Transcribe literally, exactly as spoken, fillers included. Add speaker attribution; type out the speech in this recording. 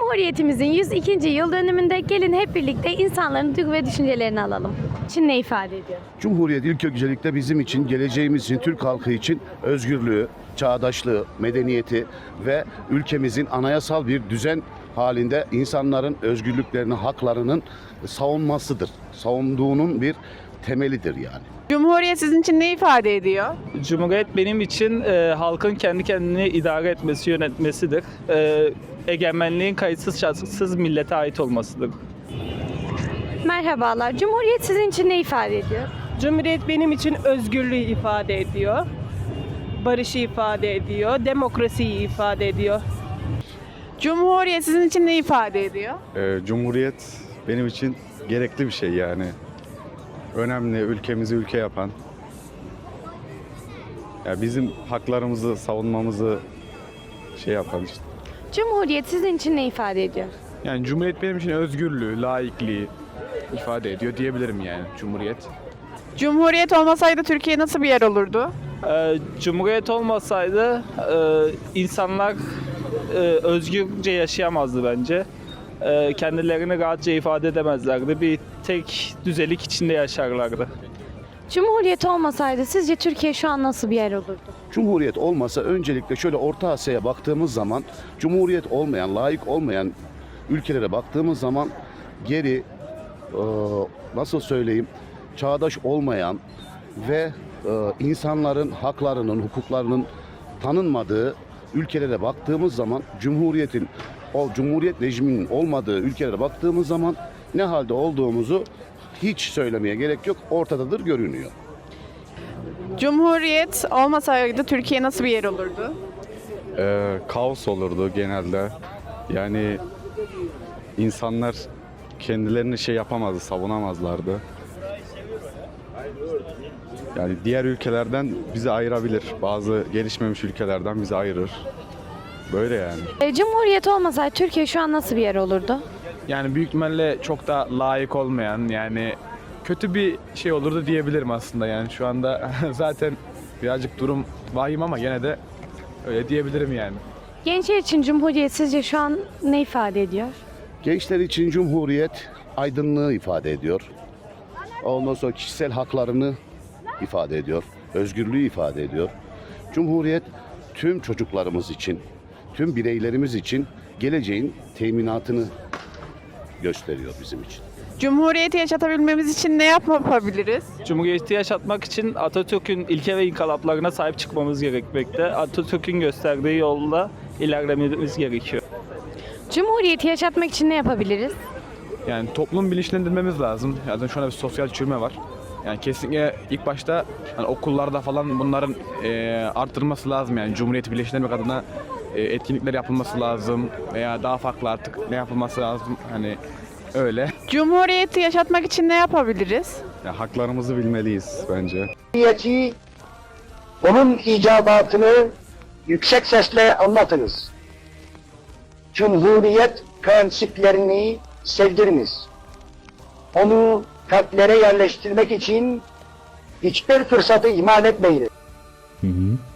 Speaker 1: Cumhuriyetimizin yüz ikinci yıl dönümünde gelin hep birlikte insanların duygu ve düşüncelerini alalım. Çin ne ifade ediyor?
Speaker 2: Cumhuriyet ilk öncelikle bizim için, geleceğimiz için, Türk halkı için özgürlüğü, çağdaşlığı, medeniyeti ve ülkemizin anayasal bir düzen halinde insanların özgürlüklerini, haklarının savunmasıdır. Savunduğunun bir temelidir yani.
Speaker 3: Cumhuriyet sizin için ne ifade ediyor?
Speaker 4: Cumhuriyet benim için e, halkın kendi kendini idare etmesi, yönetmesidir. E, egemenliğin kayıtsız şartsız millete ait olmasıdır.
Speaker 1: Merhabalar. Cumhuriyet sizin için ne ifade ediyor?
Speaker 5: Cumhuriyet benim için özgürlüğü ifade ediyor. Barışı ifade ediyor. Demokrasiyi ifade ediyor.
Speaker 3: Cumhuriyet sizin için ne ifade ediyor?
Speaker 6: Ee, Cumhuriyet benim için gerekli bir şey yani. Önemli, ülkemizi ülke yapan. Ya bizim haklarımızı savunmamızı şey yapan işte.
Speaker 1: Cumhuriyet sizin için ne ifade ediyor?
Speaker 7: Yani Cumhuriyet benim için özgürlüğü, laikliği ifade ediyor diyebilirim yani Cumhuriyet.
Speaker 3: Cumhuriyet olmasaydı Türkiye nasıl bir yer olurdu?
Speaker 4: E, Cumhuriyet olmasaydı e, insanlar e, özgürce yaşayamazdı bence. E, kendilerini rahatça ifade edemezlerdi. Bir tek düzelik içinde yaşarlardı.
Speaker 1: Cumhuriyet olmasaydı sizce Türkiye şu an nasıl bir yer olurdu?
Speaker 2: Cumhuriyet olmasa öncelikle şöyle Orta Asya'ya baktığımız zaman, Cumhuriyet olmayan, layık olmayan ülkelere baktığımız zaman geri, e, nasıl söyleyeyim, çağdaş olmayan ve e, insanların haklarının, hukuklarının tanınmadığı ülkelere baktığımız zaman, Cumhuriyetin, o Cumhuriyet rejiminin olmadığı ülkelere baktığımız zaman ne halde olduğumuzu hiç söylemeye gerek yok, ortadadır, görünüyor.
Speaker 3: Cumhuriyet olmasaydı Türkiye nasıl bir yer olurdu?
Speaker 6: Ee, kaos olurdu genelde. Yani insanlar kendilerini şey yapamazdı, savunamazlardı. Yani diğer ülkelerden bizi ayırabilir. Bazı gelişmemiş ülkelerden bizi ayırır. Böyle yani.
Speaker 1: E, Cumhuriyet olmasaydı Türkiye şu an nasıl bir yer olurdu?
Speaker 7: Yani büyük ihtimalle çok da layık olmayan yani kötü bir şey olurdu diyebilirim aslında yani şu anda zaten birazcık durum vahim ama gene de öyle diyebilirim yani.
Speaker 1: Gençler için Cumhuriyet sizce şu an ne ifade ediyor?
Speaker 2: Gençler için Cumhuriyet aydınlığı ifade ediyor. Ondan sonra kişisel haklarını ifade ediyor. Özgürlüğü ifade ediyor. Cumhuriyet tüm çocuklarımız için, tüm bireylerimiz için geleceğin teminatını gösteriyor bizim için.
Speaker 3: Cumhuriyeti yaşatabilmemiz için ne yapabiliriz?
Speaker 4: Cumhuriyeti yaşatmak için Atatürk'ün ilke ve inkılaplarına sahip çıkmamız gerekmekte. Atatürk'ün gösterdiği yolda ilerlememiz gerekiyor.
Speaker 1: Cumhuriyeti yaşatmak için ne yapabiliriz?
Speaker 7: Yani toplum bilinçlendirmemiz lazım. Zaten şu anda bir sosyal çürüme var. Yani kesinlikle ilk başta hani okullarda falan bunların e, arttırılması lazım yani Cumhuriyeti birleştirmek adına e, etkinlikler yapılması lazım veya daha farklı artık ne yapılması lazım hani öyle.
Speaker 3: Cumhuriyeti yaşatmak için ne yapabiliriz?
Speaker 6: Ya, haklarımızı bilmeliyiz bence.
Speaker 8: Cumhuriyeti, onun icabatını yüksek sesle anlatınız. Cumhuriyet prensiplerini sevdiriniz. Onu kalplere yerleştirmek için hiçbir fırsatı ihmal etmeyiniz.
Speaker 9: Hı hı.